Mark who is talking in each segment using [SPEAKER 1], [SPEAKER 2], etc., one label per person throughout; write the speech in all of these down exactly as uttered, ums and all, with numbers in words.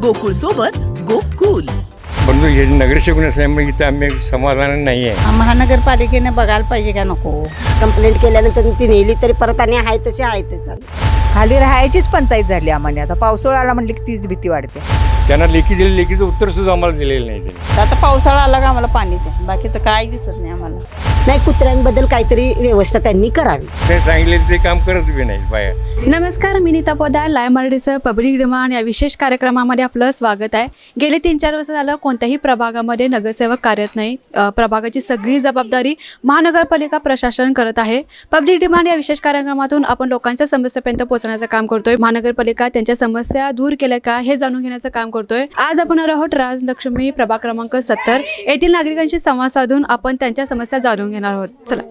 [SPEAKER 1] गोकुळ सोबत गोकुल.
[SPEAKER 2] परंतु हे नगरसेवक नसल्यामुळे इथं आम्ही समाधान नाही आहे.
[SPEAKER 3] महानगरपालिकेने बघायला पाहिजे का नको.
[SPEAKER 4] कंप्लेंट केल्यानंतर ती नेली तरी परत आणि आहे तसे आहे ते चालू.
[SPEAKER 5] खाली राहायचीच पंचायत झाली आम्हाला. आता पावसाळा आला म्हणली की तीच भीती वाढते.
[SPEAKER 2] त्यांना लेखी दिले लेखीचं उत्तर सुद्धा आम्हाला दिलेलं नाही त्यांनी.
[SPEAKER 3] आता पावसाळा आला का आम्हाला पाणीच आहे, बाकीचं काय दिसत नाही आम्हाला.
[SPEAKER 4] नाही, कुत्र्यांबद्दल काहीतरी व्यवस्था त्यांनी करावी.
[SPEAKER 2] ते सांगितले ते काम करत बी नाही बाया.
[SPEAKER 6] नमस्कार, मी नीता पोदार. लाईव्ह मराठीचं पब्लिक डिमांड या विशेष कार्यक्रमामध्ये आपलं स्वागत आहे. गेले तीन चार वर्ष झालं कोणत्याही प्रभागामध्ये नगरसेवक कार्यरत नाही. अ, प्रभागाची सगळी जबाबदारी महानगरपालिका प्रशासन करत आहे. पब्लिक डिमांड या विशेष कार्यक्रमातून आपण लोकांच्या समस्यापर्यंत पोहोचण्याचं काम करतोय. महानगरपालिका त्यांच्या समस्या दूर केल्या का हे जाणून घेण्याचं काम करतोय. आज आपण आहोत राजलक्ष्मी प्रभाग क्रमांक सत्तर येथील नागरिकांशी संवाद साधून आपण त्यांच्या समस्या जाणून घेणार आहोत. चला.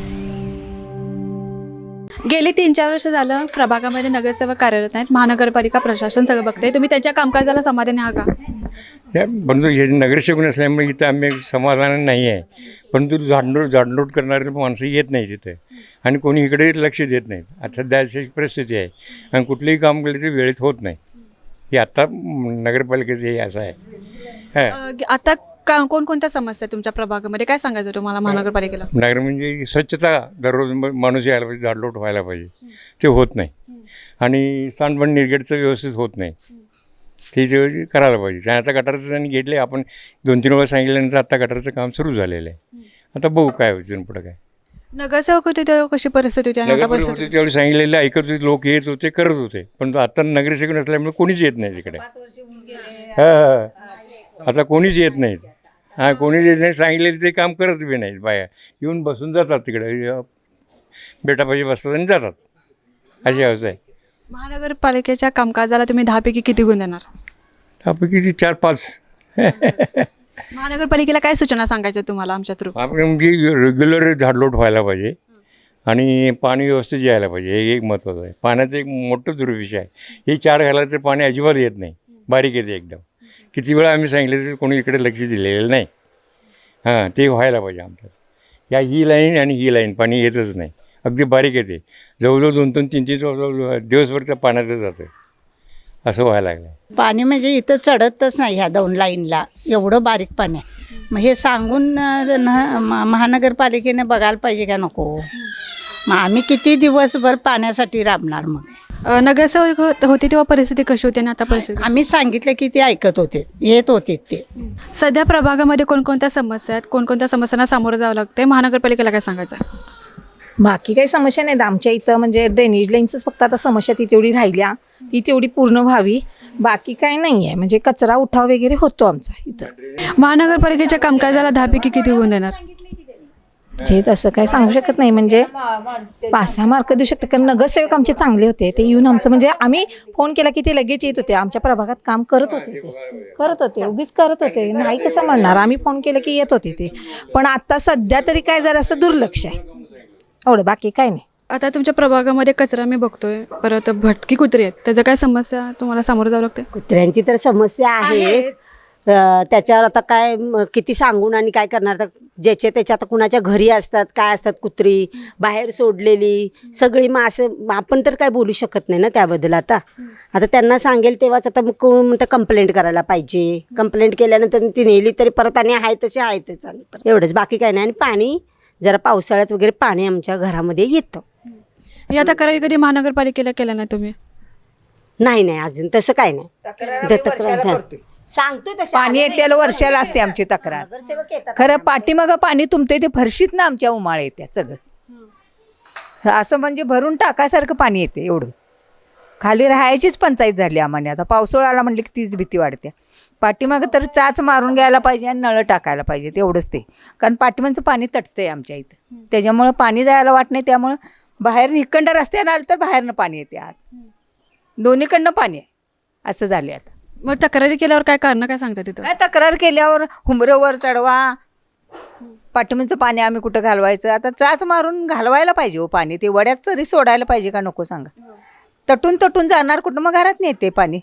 [SPEAKER 6] गेली तीन चार वर्ष झालं प्रभागामध्ये नगरसेवक कार्यरत नाहीत. महानगरपालिका प्रशासन सगळं बघते. तुम्ही त्यांच्या कामकाजाला समाधानी आहात का?
[SPEAKER 2] त्या परंतु हे नगरसेवक नसल्यामुळे इथं आम्ही समाधान नाही आहे. परंतु झाडलोट झाडलोट करणारे माणसं येत नाही तिथे आणि कोणी इकडे लक्ष देत नाहीत. आता सध्या अशी परिस्थिती आहे आणि कुठलेही काम केलं ते वेळेत होत नाही. हे आत्ता नगरपालिकेचं हे असं आहे.
[SPEAKER 6] अ, आता का कोणकोणत्या समस्या तुमच्या प्रभागामध्ये काय सांगायचं तुम्हाला महानगरपालिकेला?
[SPEAKER 2] नगर म्हणजे स्वच्छता दररोज माणूस यायला पाहिजे, झाडलोट व्हायला पाहिजे, ते होत नाही. आणि सांडपाणी निर्गेटचं व्यवस्थित होत नाही, ते जे करायला पाहिजे. आणि आता गटारचं त्यांनी घेतले, आपण दोन तीन वेळा सांगितल्यानंतर आता गटारचं काम सुरू झालेलं आहे. आता बघू काय होतं पुढं काय.
[SPEAKER 6] नगरसेवक होते तेव्हा कशी परिस्थिती होती आणि आता
[SPEAKER 2] नगरसेवक
[SPEAKER 6] परिस्थिती?
[SPEAKER 2] होते त्यावेळी सांगितलेलं ऐकत होते, लोक येत होते, करत होते. पण आता नगरसेवक नसल्यामुळे कोणीच येत नाही तिकडे. हां, आता कोणीच येत नाहीत. हां, कोणीच येत नाही. सांगितलेलं ते काम करत बी नाहीत. बाया येऊन बसून जातात तिकडे, बेटापाशी बसतात आणि जातात. अशी अवस्था आहे.
[SPEAKER 6] महानगरपालिकेच्या कामकाजाला तुम्ही दहापैकी किती गुण देणार?
[SPEAKER 2] त्यापैकी ती चार पाच.
[SPEAKER 6] महानगरपालिकेला काय सूचना सांगायच्या तुम्हाला आमच्या थ्रू?
[SPEAKER 2] आपण म्हणजे रेग्युलर झाडलोट व्हायला पाहिजे आणि पाणी व्यवस्थित यायला पाहिजे. हे एक महत्त्वाचं आहे. पाण्याचं एक मोठं दुर्विषय आहे. हे चार घाला तर पाणी अजिबात येत नाही, बारीक येते एकदम. किती वेळा आम्ही सांगितलं तर कोणी इकडे लक्ष दिलेलं नाही. हां, ते व्हायला पाहिजे आमच्यात. या ही लाईन आणि ही लाईन पाणी येतच नाही, अगदी बारीक येते. जवळजवळ दोन दोन तीन तीन जवळजवळ दिवसभर त्या पाण्यातच जातं. असं व्हायला लागलं.
[SPEAKER 3] पाणी म्हणजे इथं चढतच नाही ह्या दोन लाईनला, एवढं बारीक पाणी आहे. मग हे सांगून अ, न- म- महानगरपालिकेने बघायला पाहिजे का नको. मग आम्ही किती दिवसभर पाण्यासाठी राबणार. मग
[SPEAKER 6] अ, नगरसेवक होत- होती तेव्हा परिस्थिती कशी होती आणि आता परिस्थिती?
[SPEAKER 3] आम्ही सांगितलं की ते ऐकत होते, येत होते ते.
[SPEAKER 6] सध्या प्रभागामध्ये कोणकोणत्या समस्या आहेत, कोणकोणत्या समस्यांना सामोरं जावं लागते, महानगरपालिकेला काय सांगायचं?
[SPEAKER 7] बाकी काही समस्या नाहीत आमच्या इथं. म्हणजे ड्रेनेज लाईनचंच फक्त आता समस्या ती तेवढी राहिल्या, ती तेवढी पूर्ण व्हावी. बाकी काही नाही आहे. म्हणजे कचरा उठाव वगैरे होतो आमचा इथं.
[SPEAKER 6] महानगरपालिकेच्या कामकाजाला दहापैकी किती गुण देणार?
[SPEAKER 7] जे तसं काय सांगू शकत नाही. म्हणजे पाच सहा मार्क देऊ शकते. कारण नगरसेवक आमचे चांगले होते. ते येऊन आमचं म्हणजे आम्ही फोन केला की ते लगेच येत होते. आमच्या प्रभागात काम करत होते, ते करत होते, उगीच करत होते. नाही कसं म्हणणार, आम्ही फोन केला की येत होते ते. पण आता सध्या तरी काय जरा असं दुर्लक्ष आहे, एवढं. बाकी काय नाही.
[SPEAKER 6] आता तुमच्या प्रभागामध्ये कचरा मी बघतोय, परत भटकी कुत्री आहेत, त्याचं काय समस्या तुम्हाला सामोरं जावं लागते?
[SPEAKER 4] कुत्र्यांची तर समस्या आहेच. अं, त्याच्यावर आता काय म, किती सांगून आणि काय करणार. तर ज्याचे त्याच्या आता कुणाच्या घरी असतात, काय असतात, कुत्री बाहेर सोडलेली सगळी. मग असं आपण तर काय बोलू शकत नाही ना त्याबद्दल. आता आता त्यांना सांगेल तेव्हाच. आता मग कोण म्हणतं कंप्लेंट करायला पाहिजे. कंप्लेंट केल्यानंतर ती नेली तरी परत आणि आहे तसे आहे ते चालू. एवढंच, बाकी काय नाही. आणि पाणी जरा पावसाळ्यात वगैरे पाणी आमच्या घरामध्ये येतं.
[SPEAKER 6] या तक्रारी कधी महानगरपालिकेला केल्या नाही तुम्ही?
[SPEAKER 4] नाही नाही, अजून तसं काय नाही. तक्रार सांगतोय तसं.
[SPEAKER 5] पाणी येत्याला वर्षाला असते आमची तक्रार.
[SPEAKER 4] नगरसेवक येतात.
[SPEAKER 5] खरं पाठीमागं पाणी तुमते ते फरशीत ना आमच्या उमाळ येत्या सगळं. असं म्हणजे भरून टाकासारखं पाणी येते एवढं. खाली राहायचीच पंचायत झाली आम्हाला. आता पावसाळा आला म्हणली की तीच भीती वाढते. पाठीमागं तर चाच मारून घ्यायला पाहिजे आणि नळं टाकायला पाहिजे, तेवढंच ते. कारण पाठीमागचं पाणी तटतंय आमच्या इथं, त्याच्यामुळं पाणी जायला वाट नाही. त्यामुळं बाहेर इकडं रस्त्यानं आलं तर बाहेरनं पाणी येते, आत दोन्हीकडनं पाणी आहे. असं झाले आता.
[SPEAKER 6] मग तक्रारी केल्यावर काय कारण काय सांगता तिथं?
[SPEAKER 5] काय तक्रार केल्यावर हुमरवर चढवा, पाठीमागचं पाणी आम्ही कुठं घालवायचं. आता चाच मारून घालवायला पाहिजे हो पाणी. ते वड्यात तरी सोडायला पाहिजे का नको सांगा. तटून तटून जाणार कुठं, मग घरात नाही येते पाणी.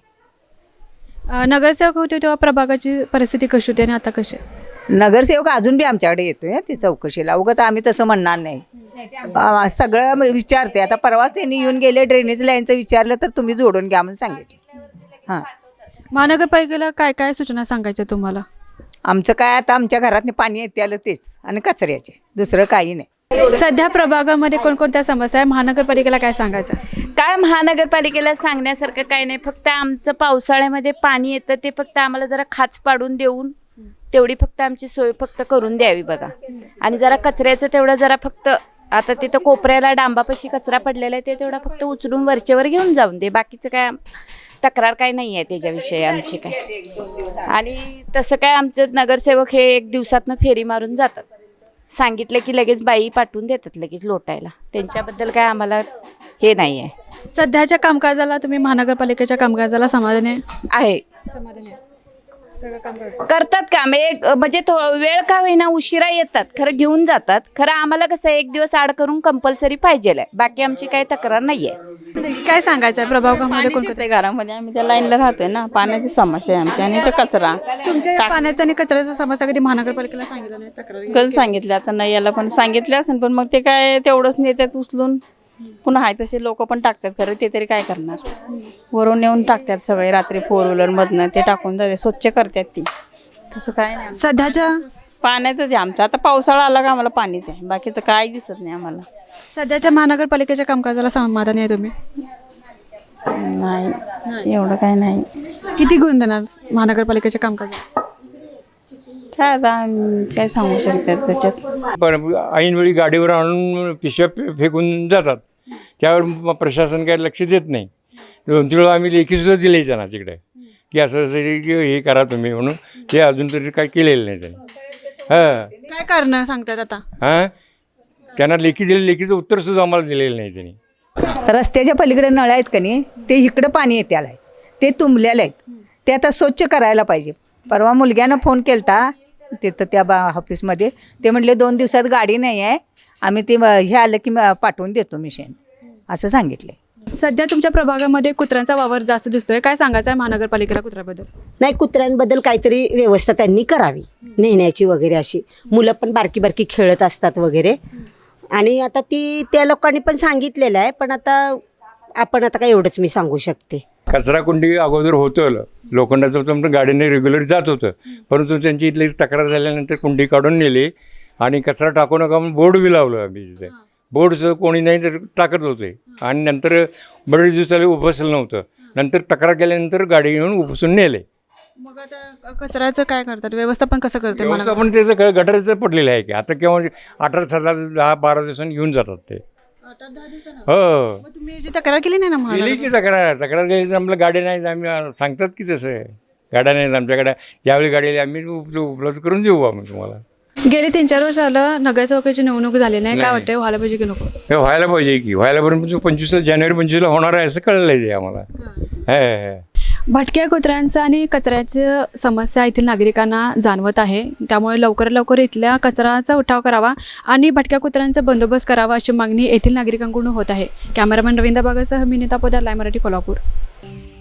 [SPEAKER 6] अ, नगरसेवक होते तेव्हा प्रभागाची परिस्थिती कशी होती आणि आता कशी आहे?
[SPEAKER 5] नगरसेवक अजून बी आमच्याकडे येतोय हं, ती चौकशीला. उगाच आम्ही तसं म्हणणार नाही. अं, सगळं विचारते. आता परवाच त्यांनी येऊन गेले, ड्रेनेज लाईनचं विचारलं तर तुम्ही जोडून घ्या म्हणून सांगितलं. हां,
[SPEAKER 6] महानगरपालिकेला काय काय सूचना सांगायच्या तुम्हाला?
[SPEAKER 5] आमचं काय आता आमच्या घरात पाणी येते आलं तेच आणि कचऱ्याचे, दुसरं काही नाही.
[SPEAKER 6] सध्या प्रभागामध्ये कोणकोणत्या समस्या आहे, महानगरपालिकेला काय सांगायचं?
[SPEAKER 8] काय महानगरपालिकेला सांगण्यासारखं काही नाही, फक्त आमचं पावसाळ्यामध्ये पाणी येतं ते फक्त आम्हाला जरा खाच पाडून देऊन तेवढी फक्त आमची सोय फक्त करून द्यावी बघा. आणि जरा कचऱ्याचं तेवढं जरा फक्त आता तिथं कोपऱ्याला डांबापाशी कचरा पडलेला आहे ते तेवढा फक्त उचलून वरचेवर घेऊन जाऊन दे, बाकीचं काय तक्रार काय नाही आहे त्याच्याविषयी आमची काय. आणि तसं काय आमचं नगरसेवक हे एक दिवसातनं फेरी मारून जातात, सांगितलं की लगेच बाई पाठवून देतात लगेच लोटायला, त्यांच्याबद्दल काय आम्हाला हे नाही आहे.
[SPEAKER 6] सध्याच्या कामकाजाला तुम्ही महानगरपालिकेच्या कामकाजाला समाधानी आहे?
[SPEAKER 8] आहे
[SPEAKER 6] समाधानी आहे. सगळं काम करतात.
[SPEAKER 8] करतात काम एक म्हणजे थो वेळ का होईना उशिरा येतात, खरं घेऊन जातात. खरं आम्हाला कसं एक दिवस आड करून कंपल्सरी पाहिजे आहे, बाकी आमची काही तक्रार नाही आहे.
[SPEAKER 6] काय सांगायचं आहे प्रभागामध्ये कोणकोणत्या?
[SPEAKER 9] घरामध्ये आम्ही त्या लाईनला राहतोय ना, पाण्याची समस्या आहे आमची आणि तो कचरा
[SPEAKER 6] तुमच्या या पाण्याचा आणि कचऱ्याचा समस्या कधी महानगरपालिकेला सांगितलं नाही, तक्रार?
[SPEAKER 9] कधी सांगितलं आता नाही याला पण सांगितलं असेल, पण मग ते काय तेवढंच नेतात उचलून, पुन्हा आहे तसे लोक पण टाकतात. खरं ते तरी काय करणार, वरून नेऊन टाकतात सगळे रात्री फोर व्हीलरमधनं, ते टाकून जाते स्वच्छ करतात ती, तसं काय नाही.
[SPEAKER 6] सध्याच्या
[SPEAKER 9] पाण्याचंच आहे आमचं, आता पावसाळा आला का आम्हाला पाणीच आहे, बाकीचं काय दिसत नाही आम्हाला.
[SPEAKER 6] सध्याच्या महानगरपालिकेच्या कामकाजाला समाधानी आहे तुम्ही?
[SPEAKER 9] नाही एवढं काय नाही.
[SPEAKER 6] किती गुण देणार महानगरपालिकेच्या कामकाजाला?
[SPEAKER 9] काय आता आम्ही काय सांगू शकतात त्याच्यात.
[SPEAKER 2] पण ऐनवेळी गाडीवर आणून पिशव्या फे- फेकून जातात, त्यावर मग प्रशासन काय लक्ष देत नाही. दोन तीन वेळा आम्ही लेखीसुद्धा दिले त्यांना तिकडे की असं असं की हे करा तुम्ही म्हणून, ते अजून तरी काय केलेलं नाही त्यांनी. हां
[SPEAKER 6] काय कारण सांगतात आता?
[SPEAKER 2] हां त्यांना लेखी दिले, लेखीचं उत्तरसुद्धा आम्हाला दिलेलं नाही त्यांनी.
[SPEAKER 5] रस्त्याच्या पलीकडे नळ आहेत का नाही, ते इकडं पाणी येते आलं आहे, ते तुंबलेले आहेत, ते आता स्वच्छ करायला पाहिजे. परवा मुलग्यानं फोन केलता तिथं त्या बा ऑफिसमध्ये, ते म्हटले दोन दिवसात गाडी नाही आहे, आम्ही ते हे आलं की पाठवून देतो मिशन, असं सांगितले.
[SPEAKER 6] सध्या तुमच्या प्रभागामध्ये कुत्र्यांचा वावर जास्त दिसतोय, काय सांगायचं आहे महानगरपालिकेला कुत्र्याबद्दल?
[SPEAKER 4] नाही, कुत्र्यांबद्दल काहीतरी व्यवस्था त्यांनी करावी नेण्याची वगैरे, अशी मुलं पण बारकी बारकी खेळत असतात वगैरे. आणि आता ती त्या लोकांनी पण सांगितलेलं आहे, पण आता आपण आता काय एवढंच मी सांगू शकते.
[SPEAKER 2] कचरा कुंडी अगोदर होतं, लोखंडाचं होतं, गाडीने रेग्युलर जात होतं, परंतु त्यांची इथली तक्रार झाल्यानंतर कुंडी काढून नेली आणि कचरा टाकू नका म्हणून बोर्ड बी लावलं आम्ही तिथे. बोर्डचं कोणी नाही तर टाकत होते आणि नंतर बरेच दिवसाला उपसलं नव्हतं, नंतर तक्रार केल्यानंतर गाडी घेऊन उपसून नेले.
[SPEAKER 6] मग आता कचऱ्याचं काय करतात, व्यवस्थापन कसं करते?
[SPEAKER 2] व्यवस्था पण त्याचं गटाराचं पडलेलं आहे की आता केव्हा अठरा सात दहा बारा दिवसांनी घेऊन जातात ते. हो
[SPEAKER 6] तुम्ही जी तक्रार केली नाही ना
[SPEAKER 2] केली
[SPEAKER 6] महानगर
[SPEAKER 2] की तक्रार तक्रार केली तर आम्हाला गाडी नाही, आम्ही सांगतात की तसं आहे, गाड्या नाहीत आमच्याकडे, ज्यावेळी गाडी आम्ही उप उपलब्ध करून देऊ आम्ही तुम्हाला.
[SPEAKER 6] गेले तीन चार वर्ष आलं नगरसेवकाची निवडणूक झाली नाही, काय वाटतंय व्हायला पाहिजे की नको?
[SPEAKER 2] हे व्हायला पाहिजे की व्हायला पर्यंत पंचवीस जानेवारी पंचवीसला होणार आहे असं कळलं आहे आम्हाला. हे
[SPEAKER 6] भटक्या कुत्र्यांचं आणि कचऱ्याची समस्या येथील नागरिकांना जाणवत आहे, त्यामुळे लवकर लवकर इथल्या कचऱ्याचा उठाव करावा आणि भटक्या कुत्र्यांचा बंदोबस्त करावा अशी मागणी येथील नागरिकांकडून होत आहे. कॅमेरामॅन रवींद्र बागासह मी नीता पोदार, लाईव्ह मराठी, कोल्हापूर.